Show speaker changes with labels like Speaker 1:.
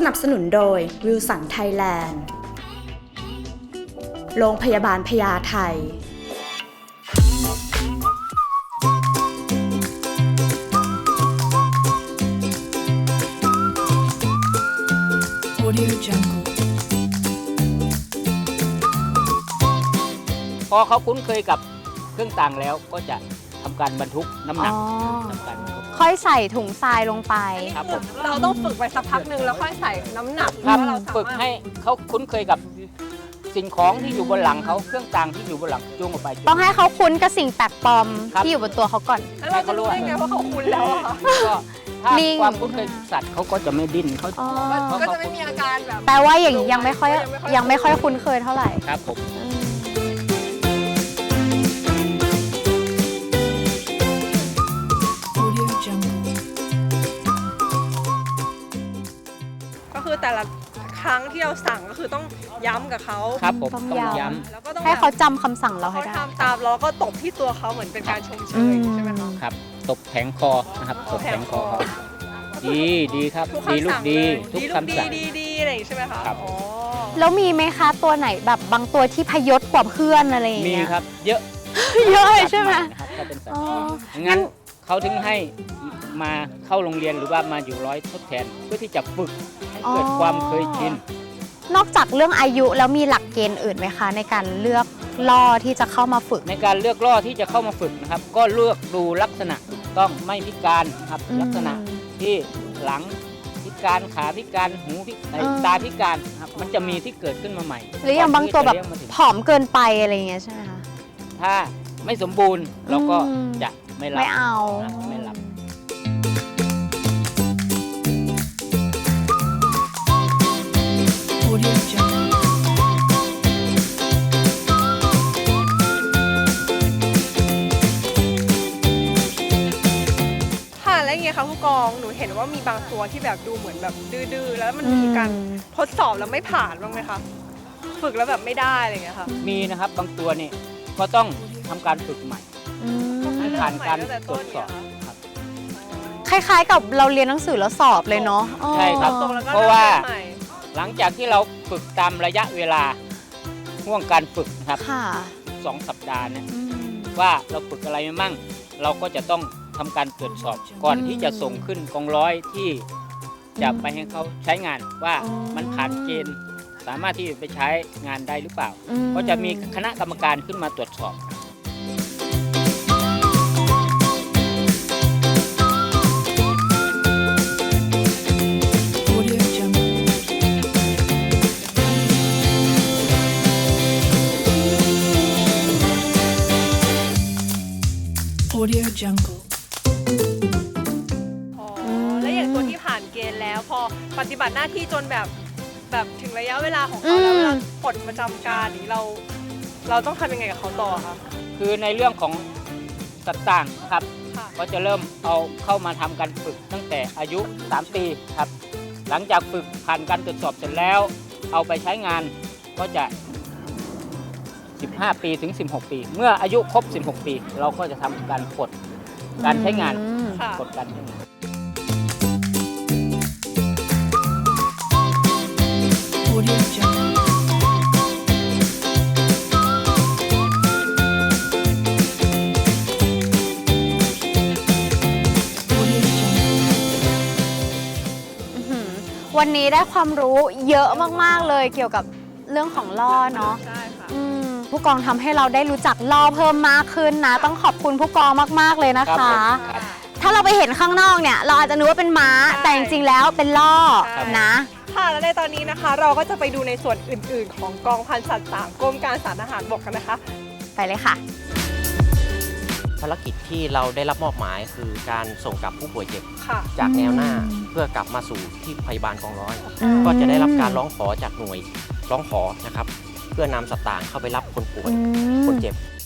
Speaker 1: นับสนุนโดยวิลสันไทยแลนด์โรงพยาบาลพญาไท
Speaker 2: Audio Jungle
Speaker 3: พอเขาคุ้นเคยกับเครื่องต่างแล้วก็จะทำการบรรทุกน้ำหนักทำการบรรทุก
Speaker 4: ค่อยใส่ถุงทรายลงไป
Speaker 3: ครับผม
Speaker 5: เราต้องฝึกไปสักพักหนึ่งแล้วค่อยใส่น้ำหนัก
Speaker 3: ครับ
Speaker 5: ว่าเราสามารถ
Speaker 3: ฝึกให้เขาคุ้นเคยกับสิ่งของที่อยู่บนหลังเขาเครื่องต่างที่อยู่บนหลังจูงออกไปจูง
Speaker 4: ต้องให้เขาคุ้นกับสิ่งแปลกปลอม
Speaker 3: ครับ
Speaker 4: ที่อยู่บนตัวเขาก่อน
Speaker 5: แล้วเราจะรู้ได้ไงว่าเขาคุ้นแล้วอะคะ
Speaker 3: ก็ถ้า
Speaker 4: นิ่ง
Speaker 3: ความคุ้นเคยกับสัตว์เขาก็จะไม่ดิ้นเขา
Speaker 4: อ๋อ
Speaker 3: เพราะ
Speaker 5: ก็
Speaker 3: เขา
Speaker 5: จะไม่มีอาการแบบ
Speaker 4: แปลว่าอย่างนี้ยังไม่ค่อยคุ้นเคยเท่าไหร่
Speaker 3: ครับผม
Speaker 4: อืม
Speaker 2: Audio Jungle
Speaker 5: ก็คือแต่ละครั้งที่เราสั่งก็คือต้องย้ำกับเขา
Speaker 3: ครับผม
Speaker 4: ต้อง
Speaker 3: ต้อง
Speaker 4: ย้ำ
Speaker 3: ย้
Speaker 5: แล้วก็ต้อง
Speaker 4: ให้เขาจำคำสั่งเราให้
Speaker 5: เขา
Speaker 4: ได้
Speaker 5: ทำตามแล้วก็ตบที่ตัวเขาเหมือนเป็นการชมเชยใช่ไหมคะ
Speaker 3: ำครับตบแผงคอนะครับตบแผงคอเขา
Speaker 5: ตบแผงคอ
Speaker 3: ดีครับ
Speaker 5: ทุก
Speaker 3: ดี
Speaker 5: คำ
Speaker 3: ลูก
Speaker 5: สั่ง
Speaker 3: ดี
Speaker 5: เลย
Speaker 3: ทุก
Speaker 5: ดีลูก
Speaker 3: คำสั่ง
Speaker 5: ดีอะไรอย่างนี้ใช่ไหมคะ
Speaker 3: ครับ
Speaker 5: อ๋อ
Speaker 4: แล้วมีไหมคะตัวไหนแบบบางตัวที่พยศกว่าเพื่อนอะไรอย่าง
Speaker 3: มี
Speaker 4: เงี้ย
Speaker 3: ครับเยอะ
Speaker 4: เยอะเลยใช่ไหม
Speaker 3: นะครับถ้าเป็นสัต
Speaker 4: อ๋
Speaker 3: ว์
Speaker 4: อ
Speaker 3: งั้นเขาถึงให้มาเข้าโรงเรียนหรือว่ามาอยู่ร้อยทดแทนเพื่อที่จะฝึกให้เกิดความเคยชิน
Speaker 4: นอกจากเรื่องอายุแล้วมีหลักเกณฑ์อื่นไหมคะ ในการเลือกล่อที่จะเข้ามาฝึก
Speaker 3: ในการเลือกล่อที่จะเข้ามาฝึกนะครับ ก็เลือกดูลักษณะต้องไม่พิการนะครับ
Speaker 4: อืม
Speaker 3: ลักษณะที่หลังพิการขาพิการหูพิการตาพิการนะครับมันจะมีที่เกิดขึ้นมาใหม่
Speaker 4: หรืออย่างบางตัวแบบ
Speaker 3: ก่อนที่จะเลี้ยงมาถึง
Speaker 4: ผอมเกินไปอะไรอย่างเงี้ยใช่ไหมคะ
Speaker 3: ถ้าไม่สมบูรณ์เราก็
Speaker 4: อืม
Speaker 3: จะไม่รับ
Speaker 4: ไม่เอา
Speaker 3: นะไม่รับ
Speaker 2: Audio Jungle
Speaker 5: ค่ะแล้วอย่างเงี้ยค่ะผู้กองหนูเห็นว่ามีบางตัวที่แบบดูเหมือนแบบดื้อๆแล้วมันมีการทดสอบแล้วไม่ผ่านบ้างไหมคะฝึกแล้วแบบไม่ได้อะไรอย่างเงี้ยค่ะ
Speaker 3: มีนะครับบางตัวนี่ก็ต้องทำการฝึกใหม่
Speaker 4: อืม
Speaker 3: ให้ผ่านการตรวจสอบครับ
Speaker 4: คล้ายๆกับเราเรียนหนังสือแล้วสอบเลยเนาะอ๋อ
Speaker 3: ใช่ครับ
Speaker 5: ตรงแล้วก็
Speaker 3: เพราะว่า
Speaker 5: เริ่มใหม่
Speaker 3: หลังจากที่เราฝึกตามระยะเวลาห่วงการฝึกนะครับ
Speaker 4: ค่ะ
Speaker 3: 2 สัปดาห์เนี่ย
Speaker 4: อืม
Speaker 3: ว่าเราฝึกอะไรมามั่ง เราก็จะต้องทำการตรวจสอบก่อนที่จะส่งขึ้นกองร้อยที่จะไปให้เขาใช้งานว่ามันผ่านเกณฑ์สามารถที่จะไปใช้งานได้หรือเปล่า
Speaker 4: อืม
Speaker 3: ก็จะมีคณะกรรมการขึ้นมาตรวจสอบ
Speaker 2: Audio Jungle Audio Jungle
Speaker 5: อ๋อแล้วอย่างตัวที่ผ่านเกณฑ์แล้วพอปฏิบัติหน้าที่จนแบบถึงระยะเวลาของเขาแล้วเวลาปลดประจำการนี้เราต้องทำยังไงกับเขาต่อคะ
Speaker 3: คือในเรื่องของสัตว์ต่างนะครับ
Speaker 5: ค่ะ
Speaker 3: ก็จะเริ่มเอาเข้ามาทำการฝึกตั้งแต่อายุ 3 ปีครับ หลังจากฝึกผ่านการตรวจสอบเสร็จแล้ว เอาไปใช้งานก็จะ 15 ปีถึง 16 ปี เมื่ออายุครบ 16 ปี เราก็จะทำการปลดการใช้งาน
Speaker 4: อืม
Speaker 5: ค่ะ
Speaker 3: ปลดการใช้งาน
Speaker 2: Audio Jungle Audio Jungle
Speaker 4: อื้อหือวันนี้ได้ความรู้เยอะมากๆเลยเกี่ยวกับเรื่องของล่อเนาะ
Speaker 5: ใช่ค่ะ
Speaker 4: ผู้กองทำให้เราได้รู้จักล่อเพิ่มมากขึ้นนะ ต้องขอบคุณผู้กองมากๆเลยนะ
Speaker 3: ครั
Speaker 4: คะ
Speaker 3: บผมครับ
Speaker 4: ถ้าเราไปเห็นข้างนอกเนี่ย เราอาจจะนึกว่าเป็นม้า
Speaker 5: ใช่
Speaker 4: แต่จริงๆแล้วเป็นล่อ
Speaker 5: ครับ
Speaker 4: นะ
Speaker 5: ค่ะและในตอนนี้นะคะ เราก็จะไปดูในส่วนอื่น ๆ ของกองพันสัตว์3กรมการสารทหารบกกันนะคะ
Speaker 4: ไปเลยค่ะ
Speaker 6: ภารกิจที่เราได้รับมอบหมายคือการส่งกลับผู้ป่วยเจ็บ
Speaker 5: ค่ะ
Speaker 6: จากแนวหน้า
Speaker 4: อืม
Speaker 6: เพื่อกลับมาสู่ที่พยาบาลกองร้อย
Speaker 4: อืม
Speaker 6: ก็จะได้รับการร้องขอจากหน่วยร้องขอนะครับ เพื่อนำสัตว์ต่างเข้าไปรับคนป่วย
Speaker 4: อืม
Speaker 6: คนเจ็บ